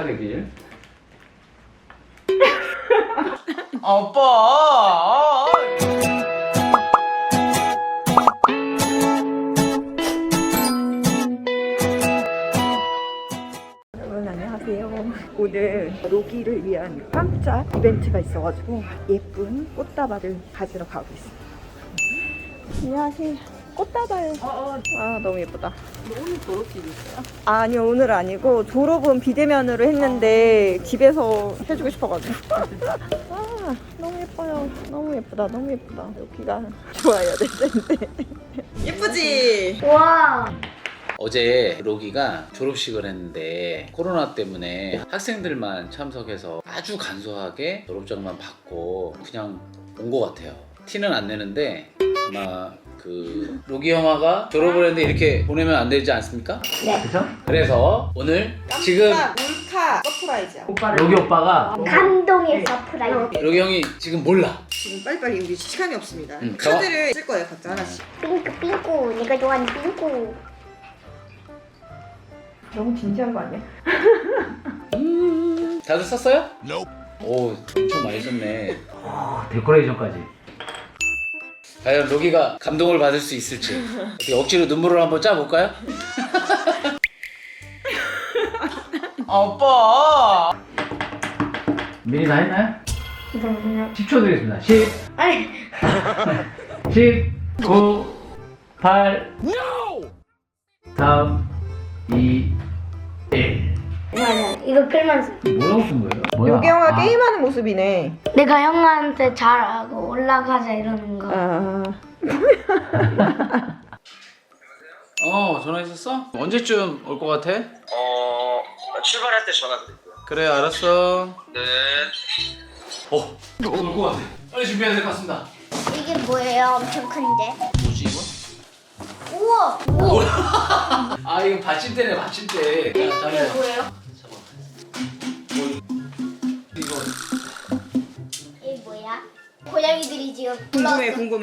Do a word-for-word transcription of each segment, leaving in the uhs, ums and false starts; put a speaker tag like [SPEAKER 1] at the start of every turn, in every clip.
[SPEAKER 1] 되길. 아빠.
[SPEAKER 2] 여러분 안녕하세요. 오늘 로기를 위한 깜짝 이벤트가 있어가지고 예쁜 꽃다발을 가지러 가고 있습니다. 안녕하세요. 꽃다발. 어, 어. 아 너무 예쁘다.
[SPEAKER 3] 오늘 졸업식이 있어요?
[SPEAKER 2] 아니요 오늘 아니고 졸업은 비대면으로 했는데 집에서 해주고 싶어가지고. 아 너무 예뻐요. 너무 예쁘다. 너무 예쁘다. 여기가 좋아야 될 텐데. 예쁘지?
[SPEAKER 4] 와.
[SPEAKER 1] 어제 로기가 졸업식을 했는데 코로나 때문에 학생들만 참석해서 아주 간소하게 졸업장만 받고 그냥 온 것 같아요. 티는 안 내는데 아마 그 로기 형아가 졸업을 했는데 이렇게 보내면 안 되지 않습니까?
[SPEAKER 4] 네.
[SPEAKER 1] 그죠? 그래서 오늘 지금
[SPEAKER 2] 몰카 서프라이즈야.
[SPEAKER 1] 로기 오빠가
[SPEAKER 4] 감동의 서프라이즈.
[SPEAKER 1] 로기 형이 지금 몰라.
[SPEAKER 2] 지금 빨리빨리 우리 시간이 없습니다.
[SPEAKER 1] 응,
[SPEAKER 2] 카드를 쓸 거예요 각자 하나씩.
[SPEAKER 4] 삥꾸 삥꾸. 내가 좋아하는 삥꾸.
[SPEAKER 2] 너무 진지한 거 아니야?
[SPEAKER 1] 다들 썼어요? 오 엄청 많이 썼네. 오, 데코레이션까지. 과연 로기가 감동을 받을 수 있을지 어떻게 억지로 눈물을 한번 짜볼까요? 아빠 미리 다 했나요?
[SPEAKER 4] 잠깐만요.
[SPEAKER 1] 십 초 드리겠습니다. 십,
[SPEAKER 4] 아니.
[SPEAKER 1] 십, 구, 팔, 삼, 이, 일.
[SPEAKER 4] 아니야. 이거 글만 써.
[SPEAKER 1] 뭐라고 쓴 거예요? 뭐야?
[SPEAKER 2] 요기 형아
[SPEAKER 1] 아,
[SPEAKER 2] 게임하는 모습이네.
[SPEAKER 4] 내가 형한테 잘하고 올라가자 이러는 거.
[SPEAKER 2] 아
[SPEAKER 1] 어 전화했었어? 언제쯤 올 것 같아?
[SPEAKER 5] 어 출발할 때 전화 드릴게요.
[SPEAKER 1] 그래 알았어.
[SPEAKER 5] 네.
[SPEAKER 1] 어 올 것 같아. 빨리 준비해야 될 것 같습니다.
[SPEAKER 4] 이게 뭐예요? 엄청 큰데.
[SPEAKER 1] 뭐지 이거?
[SPEAKER 4] 우와. 우와.
[SPEAKER 1] 아 이거 받침대네 받침대. 자,
[SPEAKER 4] 이게
[SPEAKER 1] 잠깐만.
[SPEAKER 4] 뭐예요?
[SPEAKER 1] 잡아. 뭐 이거
[SPEAKER 4] 이게 뭐야? 고양이들이 지금
[SPEAKER 2] 궁금해 궁금해.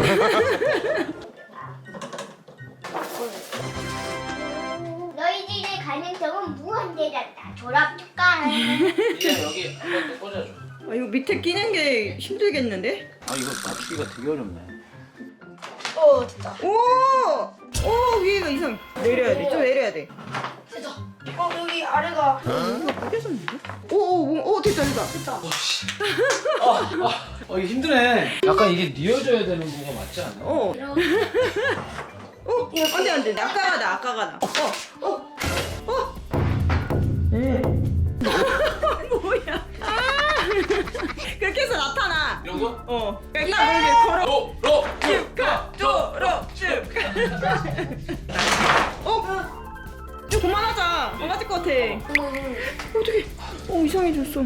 [SPEAKER 4] 너희들의 가능성은 무한대란다. 졸업 축하해.
[SPEAKER 1] 그냥 여기 한번 또 꽂아줘.
[SPEAKER 2] 아 이거 밑에 끼는 게 힘들겠는데?
[SPEAKER 1] 아 이거 맞추기가 되게 어렵네.
[SPEAKER 4] 어 됐다.
[SPEAKER 2] 오! 오 위에가 이상. 내려야 돼. 좀 내려야 돼.
[SPEAKER 4] 됐다. 어 여기 아래가.
[SPEAKER 2] 이거 깨졌는데? 오오오 됐다 됐다.
[SPEAKER 4] 됐다.
[SPEAKER 1] 아, 아, 어 이거 힘드네. 약간 이게 뉘어져야 되는 거가 맞지 않아?
[SPEAKER 2] 어.
[SPEAKER 4] 이렇게.
[SPEAKER 2] 어? 안돼 안돼. 아까가 나 아까가 나. 어 어. 어. 네. 뭐야? 아! 그렇게 해서 나타나.
[SPEAKER 1] 이런 거?
[SPEAKER 2] 어. 일단 여기 걸어.
[SPEAKER 1] 로! 로!
[SPEAKER 2] 쭉가 쪼로 쭉. 어? 좀 그만하자. 안 맞을 것 같아. 어떻게? 어 이상해졌어.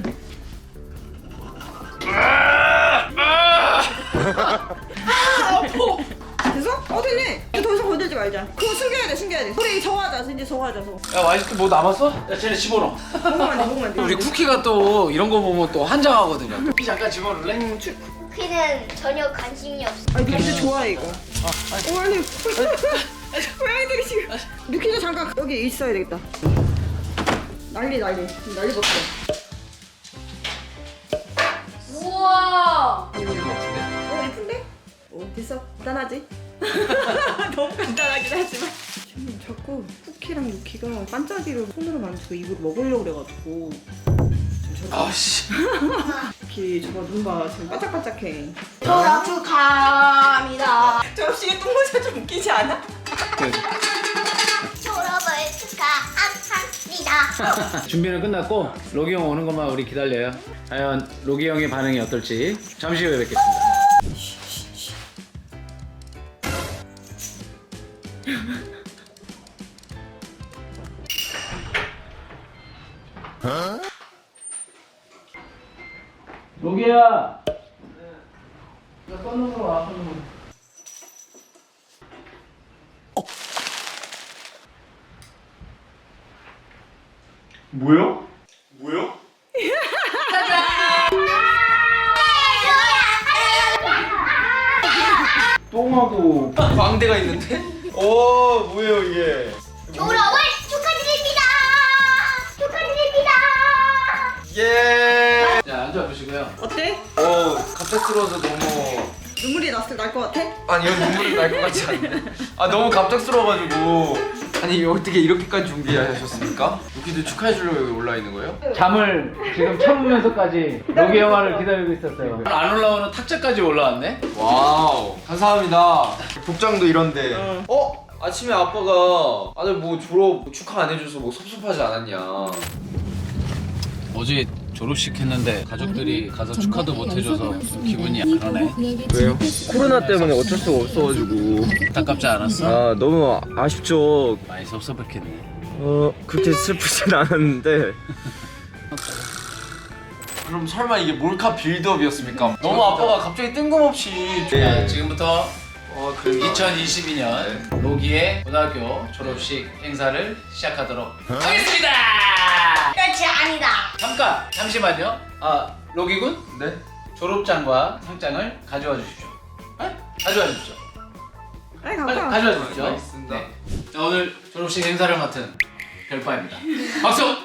[SPEAKER 2] 됐어? 어 됐네. 이제 더 이상 건들지 말자. 그거 숨겨야 돼, 숨겨야 돼. 우리 저거 하자, 이제 저거 하자, 저거.
[SPEAKER 1] 야 와이스트 뭐 남았어? 야 쟤네 집어넣어.
[SPEAKER 2] 먹으면 안 돼, 먹으면 안 돼.
[SPEAKER 1] 우리 쿠키가 또 이런 거 보면 또 환장하거든요. 쿠키 잠깐 집어넣을래?
[SPEAKER 2] 음, 추...
[SPEAKER 4] 쿠키는 전혀 관심이 없어.
[SPEAKER 2] 아니 근데 좋아해 이거. 어 아니. 고양이들이 지금. 뉴키도 잠깐 여기 있어야 되겠다. 난리 난리. 난리 났어.
[SPEAKER 4] 우와.
[SPEAKER 2] 어 예쁜데? 어 됐어. 간단하지? 너무 간단하긴 하지만. 지금 자꾸 쿠키랑 유키가 반짝이를 손으로 만지고 입으로 먹으려고 그래가지고.
[SPEAKER 1] 아씨.
[SPEAKER 2] 유키 저거 눈 봐. 지금 반짝반짝해.
[SPEAKER 4] 졸업 축하합니다.
[SPEAKER 2] 접시에 똥모자 좀 웃기지 않아?
[SPEAKER 4] 졸업을 축하합니다.
[SPEAKER 1] 준비는 끝났고 로기 형 오는 것만 우리 기다려요. 과연 로기 형의 반응이 어떨지 잠시 후에 뵙겠습니다. 로기야. 나 꺼놓으러 와. 꺼놓으러.
[SPEAKER 5] 뭐요? 뭐요? 똥하고 광대가 있는데? 오 뭐예요 이게?
[SPEAKER 4] 졸업을 축하드립니다. 축하드립니다.
[SPEAKER 5] 예.
[SPEAKER 1] 자 앉아보시고요.
[SPEAKER 2] 어때?
[SPEAKER 5] 어 갑작스러워서 너무
[SPEAKER 2] 눈물이 났을 날 것 같아?
[SPEAKER 5] 아니 이건 눈물이 날 것 같지 않네. 아 너무 갑작스러워가지고 아니 어떻게 이렇게까지 준비하셨습니까? 여기도 축하해 주려고 여기 올라 있는 거예요?
[SPEAKER 1] 잠을 지금 참으면서까지 로기 영화를 기다리고 있었어요. 안 올라오는 탁자까지 올라왔네.
[SPEAKER 5] 와우 감사합니다. 복장도 이런데. 어? 아침에 아빠가 아들 뭐 졸업 축하 안 해줘서 뭐 섭섭하지 않았냐.
[SPEAKER 1] 어제 졸업식 했는데 가족들이 가서 축하도 못 해줘서 좀 기분이 그러네.
[SPEAKER 5] 왜요? 코로나 때문에 어쩔 수가 없어가지고.
[SPEAKER 1] 안타깝지 않았어?
[SPEAKER 5] 아 너무 아쉽죠.
[SPEAKER 1] 많이 섭섭했겠네.
[SPEAKER 5] 어 그렇게 슬프진 않았는데. 그럼 설마 이게 몰카 빌드업이었습니까? 너무 아빠가 갑자기 뜬금없이.
[SPEAKER 1] 자, 지금부터
[SPEAKER 5] 어 그런가?
[SPEAKER 1] 이천이십이 년 로기의 고등학교 졸업식 행사를 시작하도록 하겠습니다.
[SPEAKER 4] 끝이 아니다.
[SPEAKER 1] 잠깐 잠시만요. 아 로기군
[SPEAKER 5] 네?
[SPEAKER 1] 졸업장과 상장을 가져와 주십시오. 네? 가져와 주십시오.
[SPEAKER 2] 빨리
[SPEAKER 1] 빨리
[SPEAKER 2] 가봐.
[SPEAKER 1] 가져와 주십시오.
[SPEAKER 5] 알겠습니다.
[SPEAKER 1] 네. 자, 오늘 졸업식 행사를 맡은 별빠입니다. 박수.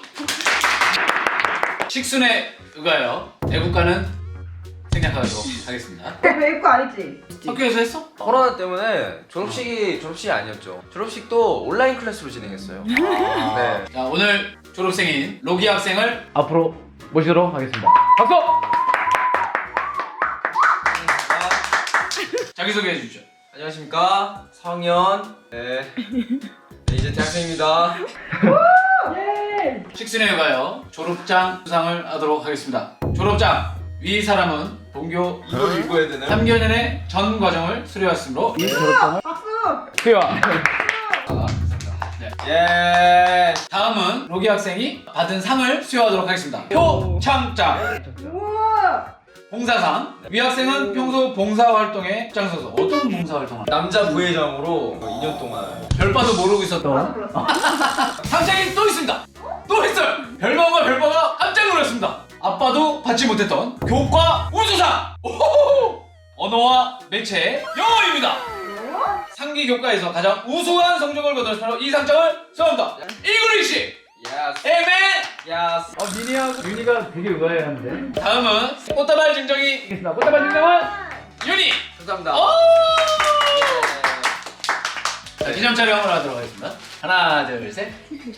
[SPEAKER 1] 식순에 의하여 애국가는 생략하도록 하겠습니다.
[SPEAKER 2] 외국 아니지?
[SPEAKER 1] 학교에서 했어?
[SPEAKER 5] 코로나 때문에 졸업식이 졸업식이 아니었죠. 졸업식도 온라인 클래스로 진행했어요. 네.
[SPEAKER 1] 자, 오늘 졸업생인 로기 학생을 앞으로 모시도록 하겠습니다. 박수! 자기소개해 주십시오.
[SPEAKER 5] 안녕하십니까 사 학년 네. 네 이제 대학생입니다.
[SPEAKER 1] 식순에 의하여 졸업장 수상을 하도록 하겠습니다. 졸업장 위 사람은 본교
[SPEAKER 5] 이걸 읽어야 되나요?
[SPEAKER 1] 삼 개년의 전 과정을 수료했으므로 이 졸업장을 수여. 네.
[SPEAKER 5] 예.
[SPEAKER 1] 다음은 로기 학생이 받은 상을 수여하도록 하겠습니다. 표창장,
[SPEAKER 2] 우와!
[SPEAKER 1] 봉사상. 위 학생은 평소 봉사활동에 앞장서서 어떤 봉사활동을?
[SPEAKER 5] 남자 부회장으로 이 년 동안
[SPEAKER 1] 별바도 모르고 있었던 상장이 또 있습니다. 또 있어요. 별바가 별바가 깜짝 놀랐습니다. 아빠도 받지 못했던 교과 우수상. 오호호! 언어와 매체 영어입니다. 상기 교과에서 가장 우수한 성적을 거둔 이 상장을 수여합니다. 잉글리시
[SPEAKER 5] 예스
[SPEAKER 1] 에멘.
[SPEAKER 5] 예스.
[SPEAKER 1] 어, 미니하고 윤희가 되게 의아해하는데. 다음은 꽃다발 증정이 있습니다. 꽃다발 증정은 윤희.
[SPEAKER 5] 감사합니다.
[SPEAKER 1] 오! 자, 기념 촬영을 하도록 하겠습니다. 하나, 둘, 셋.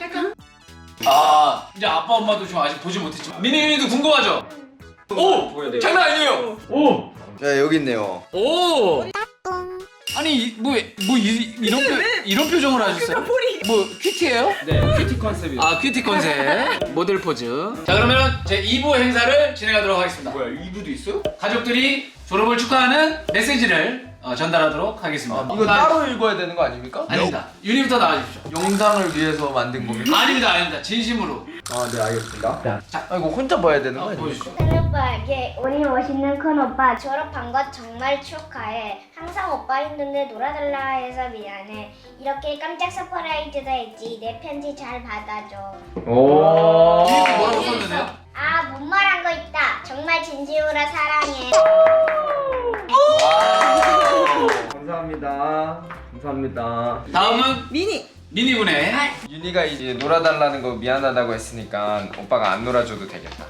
[SPEAKER 1] 아, 이제 아빠 엄마도 지금 아직 보지 못했지만 미니 윤희도 궁금하죠? 오!
[SPEAKER 5] 보여야 돼요.
[SPEAKER 1] 장난 아니에요. 오!
[SPEAKER 5] 네 여기 있네요.
[SPEAKER 1] 오! 아니 이- 뭐, 뭐 이, 이런 표, 이런 표정을 하셨어요? 뭐 큐티예요?
[SPEAKER 5] 네 큐티 컨셉이.
[SPEAKER 1] 아 큐티 컨셉 모델 포즈. 자 그러면 제 이 부 행사를 진행하도록 하겠습니다.
[SPEAKER 5] 뭐야 이 부도 있어요?
[SPEAKER 1] 가족들이 졸업을 축하하는 메시지를 어, 전달하도록 하겠습니다.
[SPEAKER 5] 이거
[SPEAKER 1] 나-
[SPEAKER 5] 따로 읽어야 되는 거 아닙니까?
[SPEAKER 1] 아닙니다. 윤희부터 나와주십시오.
[SPEAKER 5] 영상을 위해서 만든 겁니까?
[SPEAKER 1] 아닙니다, 아닙니다. 진심으로.
[SPEAKER 5] 아 네 알겠습니다.
[SPEAKER 1] 자,
[SPEAKER 5] 아 이거 혼자 봐야 되는 거
[SPEAKER 1] 어,
[SPEAKER 5] 아니에요?
[SPEAKER 1] 보여주시죠.
[SPEAKER 4] 큰 오빠에게 우리 멋있는 큰 오빠 졸업한 것 정말 축하해. 항상 오빠 힘든데 놀아달라 해서 미안해. 이렇게 깜짝 서프라이즈도 했지. 내 편지 잘 받아줘.
[SPEAKER 5] 오.
[SPEAKER 1] 뒤에 뭐라고 썼는데요?
[SPEAKER 4] 아, 못 말한 거 있다. 정말 진심으로 사랑해.
[SPEAKER 5] 와우. 감사합니다. 감사합니다.
[SPEAKER 1] 다음은
[SPEAKER 2] 미니!
[SPEAKER 1] 미니군의
[SPEAKER 5] 윤희가 이제 놀아달라는 거 미안하다고 했으니까 오빠가 안 놀아줘도 되겠다.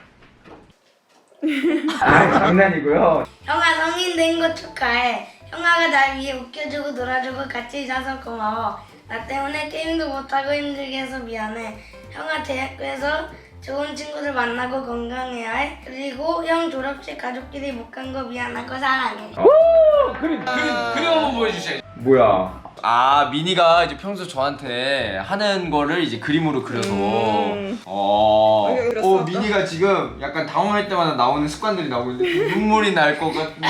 [SPEAKER 5] 아 장난이고요.
[SPEAKER 4] 형아 성인 된 거 축하해. 형아가 날 위해 웃겨주고 놀아주고 같이 있어서 고마워. 나 때문에 게임도 못하고 힘들게 해서 미안해. 형아 대학교에서 좋은 친구들 만나고 건강해야 해. 그리고 형 졸업식 가족끼리 못 간 거 미안하고 사랑해.
[SPEAKER 1] 그림, 그림, 그림 한번 보여주세요.
[SPEAKER 5] 뭐야? 아 미니가 이제 평소 저한테 하는 거를 이제 그림으로 그려서.
[SPEAKER 2] 음.
[SPEAKER 5] 어.
[SPEAKER 2] 어떻게 그렸어?
[SPEAKER 5] 어 미니가 지금 약간 당황할 때마다 나오는 습관들이 나오고 있는데 눈물이 날 것 같은데.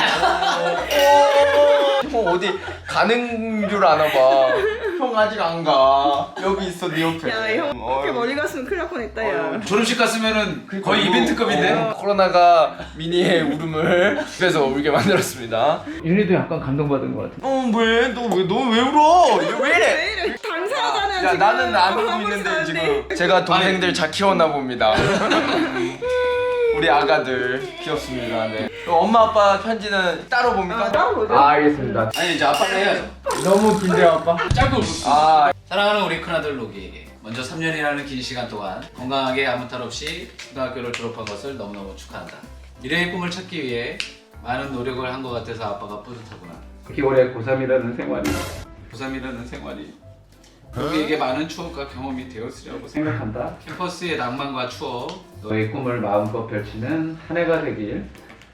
[SPEAKER 5] 형 어디 가는 줄 아나 봐. 형 아직 안 가. 여기 있어 네 옆에.
[SPEAKER 2] 야, 형
[SPEAKER 5] 어휴.
[SPEAKER 2] 그렇게 멀리 갔으면 큰일 날 뻔했다, 야.
[SPEAKER 1] 졸업식 갔으면은 거의
[SPEAKER 5] 그리고,
[SPEAKER 1] 이벤트급인데?
[SPEAKER 5] 어, 코로나가 미니의 울음을 집에서 울게 만들었습니다.
[SPEAKER 1] 윤희도 약간 감동받은 것 같아.
[SPEAKER 5] 어 왜? 너 왜 너 왜 울어? 왜 이래?
[SPEAKER 2] 왜 이래? 당사자는
[SPEAKER 5] 야
[SPEAKER 2] 지금
[SPEAKER 5] 나는 안
[SPEAKER 2] 하고
[SPEAKER 5] 울고 있는데
[SPEAKER 2] 있었는데.
[SPEAKER 5] 지금 제가 동생들 잘 키웠나 봅니다. 우리 아가들 귀엽습니다. 네. 그럼 엄마 아빠 편지는 따로 봅니까?
[SPEAKER 2] 아, 따로 보죠.
[SPEAKER 5] 아, 알겠습니다.
[SPEAKER 1] 아니 이제 아빠는 해야죠.
[SPEAKER 5] 너무 긴데요 아빠?
[SPEAKER 1] 짧고 굵습니다.
[SPEAKER 5] 아
[SPEAKER 1] 사랑하는 우리 큰아들 로기에게 먼저 삼 년이라는 긴 시간 동안 건강하게 아무 탈 없이 초등학교를 졸업한 것을 너무너무 축하한다. 미래의 꿈을 찾기 위해 많은 노력을 한 것 같아서 아빠가 뿌듯하구나. 기월에 고삼이라는 생활이 고삼이라는 생활이 우리에게 많은 추억과 경험이 되었으리라고 생각한다. 캠퍼스의 낭만과 추억, 너의 꿈을 마음껏 펼치는 한 해가 되길.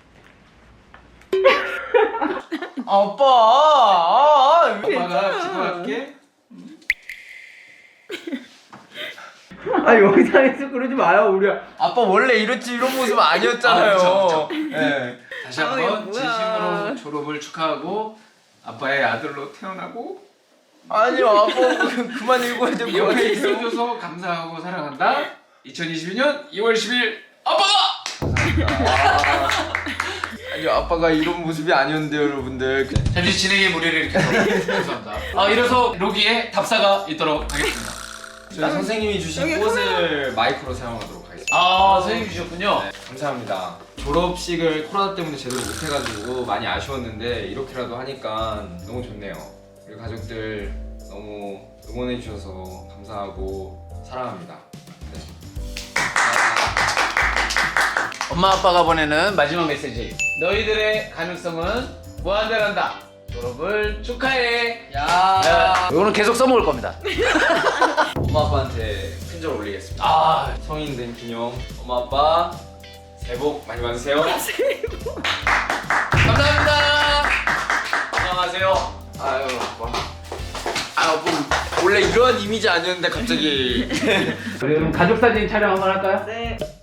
[SPEAKER 5] 아빠. 아, 아,
[SPEAKER 1] 아빠가 기도할게.
[SPEAKER 5] 아 영상에서 그러지 마요 우리 아빠 원래 이렇지 이런 모습 아니었잖아요.
[SPEAKER 1] 아, 그쵸,
[SPEAKER 5] 네.
[SPEAKER 1] 다시
[SPEAKER 2] 아,
[SPEAKER 1] 한번
[SPEAKER 2] 이거 뭐야.
[SPEAKER 1] 진심으로 졸업을 축하하고 아빠의 아들로 태어나고
[SPEAKER 5] 아니요 아빠 그- 그만 읽어야 될 거
[SPEAKER 1] 옆에
[SPEAKER 5] 같아요.
[SPEAKER 1] 있어줘서 감사하고 사랑한다. 이천이십이 년 이월 십일 아빠가!
[SPEAKER 5] 아니요 아빠가 이런 모습이 아니었는데요 여러분들.
[SPEAKER 1] 잠시 진행의 무리를 일으켜서 죄송합니다. 아 이래서 로기에 답사가 있도록 하겠습니다.
[SPEAKER 5] 저희 선생님이 주신
[SPEAKER 2] 여기
[SPEAKER 5] 꽃을 마이크로 사용하도록 하겠습니다.
[SPEAKER 1] 아 선생님 주셨군요.
[SPEAKER 5] 네, 감사합니다. 졸업식을 코로나 때문에 제대로 못해가지고 많이 아쉬웠는데 이렇게라도 하니까 너무 좋네요. 우리 가족들 너무 응원해주셔서 감사하고 사랑합니다. 네.
[SPEAKER 1] 엄마 아빠가 보내는 마지막 메시지. 너희들의 가능성은 무한대란다. 졸업을 축하해.
[SPEAKER 5] 야.
[SPEAKER 1] 야, 이거는 계속 써먹을 겁니다.
[SPEAKER 5] 엄마 아빠한테 큰절 올리겠습니다.
[SPEAKER 1] 아
[SPEAKER 5] 성인 된 기념 엄마 아빠 새해 복 많이 받으세요.
[SPEAKER 1] 감사합니다.
[SPEAKER 5] 안녕하세요. 아유 아빠. 아 뭐, 원래 이런 이미지 아니었는데 갑자기.
[SPEAKER 1] 우리 그럼 가족 사진 촬영 한번 할까요?
[SPEAKER 2] 네.